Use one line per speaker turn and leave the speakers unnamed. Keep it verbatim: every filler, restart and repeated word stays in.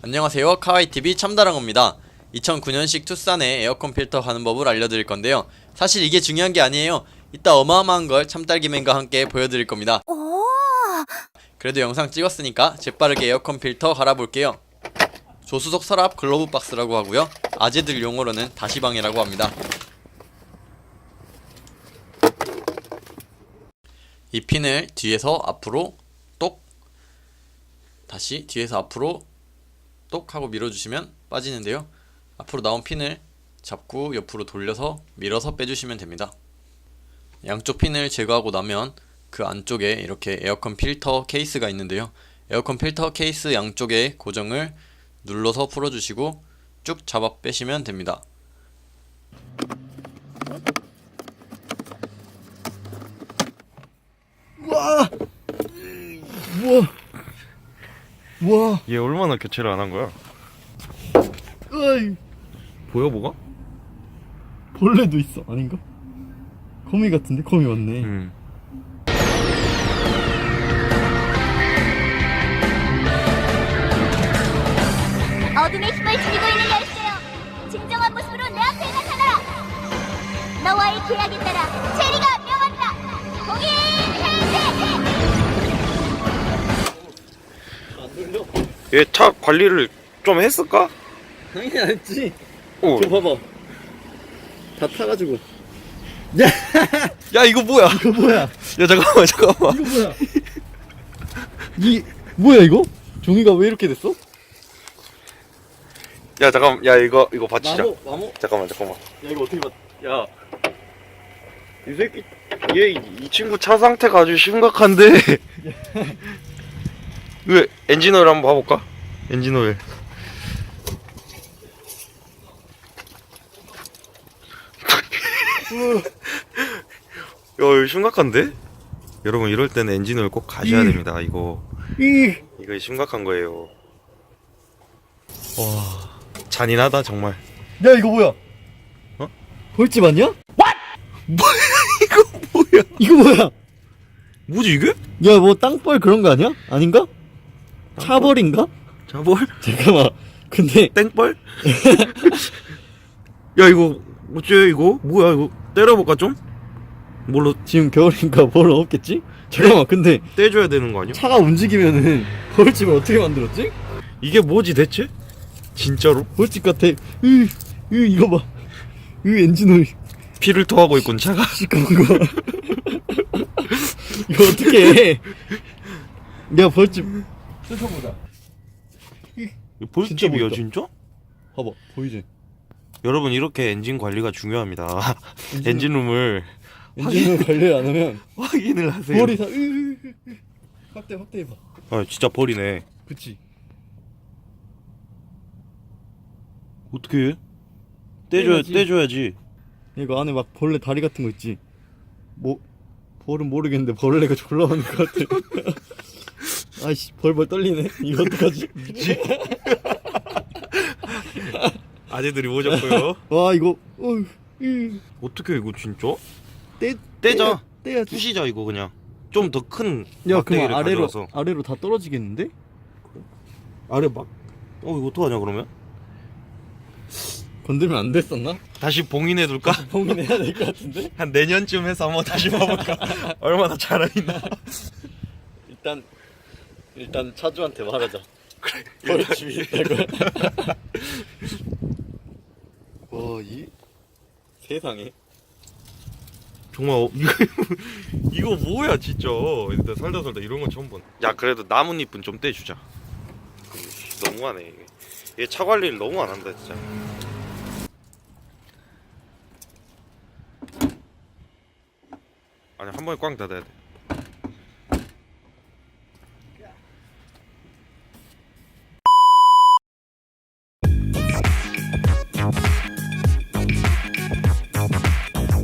안녕하세요, 카와이티비 참다랑어입니다. 이천구 년식 투싼의 에어컨 필터 하는 법을 알려드릴 건데요. 사실 이게 중요한 게 아니에요. 이따 어마어마한 걸 참딸기맨과 함께 보여드릴 겁니다. 그래도 영상 찍었으니까 재빠르게 에어컨 필터 갈아볼게요. 조수석 서랍 글로브 박스라고 하고요. 아재들 용어로는 다시방이라고 합니다. 이 핀을 뒤에서 앞으로 똑, 다시 뒤에서 앞으로 똑 하고 밀어주시면 빠지는데요. 앞으로 나온 핀을 잡고 옆으로 돌려서 밀어서 빼주시면 됩니다. 양쪽 핀을 제거하고 나면 그 안쪽에 이렇게 에어컨 필터 케이스가 있는데요. 에어컨 필터 케이스 양쪽에 고정을 눌러서 풀어주시고 쭉 잡아 빼시면 됩니다.
와, 우와, 우와,
얘 얼마나 교체를 안 한 거야?
어이,
보여 뭐가?
벌레도 있어. 아닌가? 거미 같은데? 거미 맞네.
응.
어둠의 힘을 지니고 있는 열쇠요. 진정한 모습으로 내 앞에 나타나라. 너와의 계약에 따라 체리가 명한다. 공인 해제.
얘 차 관리를 좀 했을까?
당연히 안 했지.
어.
저 봐봐. 다 타가지고. 야,
야 이거 뭐야?
이거 뭐야?
야 잠깐만 잠깐만.
이거 뭐야? 이 뭐야 이거? 종이가 왜 이렇게 됐어?
야 잠깐. 야 이거 이거 받치자.
마모, 마모.
잠깐만 잠깐만.
야 이거 어떻게 받?
야. 이 새끼 얘 이 친구 차 상태가 아주 심각한데. 왜 엔진 오일 한번 봐볼까? 엔진 오일. 야 이거 심각한데? 여러분 이럴 때는 엔진 오일 꼭 가셔야
이.
됩니다. 이거
이.
이거 심각한 거예요. 와 잔인하다 정말.
야 이거 뭐야?
어?
벌집 아니야?
뭐야 이거 뭐야?
이거 뭐야?
뭐지 이게?
야 뭐 땅벌 그런 거 아니야? 아닌가? 차벌인가?
자벌?
잠깐만. 근데
땡벌? 야 이거 어째 이거? 뭐야 이거 때려볼까 좀? 뭘로
지금 겨울인가 벌 없겠지? 잠깐만. 근데
떼줘야 되는 거 아니야?
차가 움직이면은 벌집을 어떻게 만들었지?
이게 뭐지 대체? 진짜로?
벌집 같아. 으, 으 이거 봐. 으 엔진 오일
피를 토하고 있군 차가.
시꺼먼 거. 이거 어떻게 해? 야 벌집 뜯어보자.
볼집이야
진짜
진짜?
봐봐 보이지?
여러분 이렇게 엔진 관리가 중요합니다.
엔진-
엔진룸을
엔진을 관리 안 하면
확인을 하세요.
벌이 다 으, 으, 으, 으. 확대 확대해봐.
아 진짜 벌이네.
그치?
어떻게 해? 떼줘야
떼야지.
떼줘야지.
이거 안에 막 벌레 다리 같은 거 있지? 뭐 벌은 모르겠는데 벌레가 졸라 많은 것 같아. 아이씨 벌벌 떨리네. 이거 어떡하지?
아재들이 오셨고요.
와 이거 어휴, 으.
어떻게 해, 이거 진짜?
떼
떼자.
떼야지.
부시자 이거 그냥. 좀 더 큰
야
막대기를
그럼 아래로
가져와서.
아래로 다 떨어지겠는데?
아래 막. 어 이거 어떡하냐 그러면?
건들면 안 됐었나?
다시 봉인해 둘까?
봉인해야 될 것 같은데?
한 내년쯤 해서 한번 다시 봐볼까? 얼마나 잘하있나?
일단 일단 차주한테 말하자. 그래. 벌집이 있다고. 와, 이 세상에.
정말 어, 이거 이거 뭐야 진짜. 일단 살다 살다 이런 건 처음 본. 야 그래도 나뭇잎은 좀 떼주자. 너무하네 이게. 얘 차 관리를 너무 안 한다 진짜. 아니 한 번에 꽝 닫아야 돼.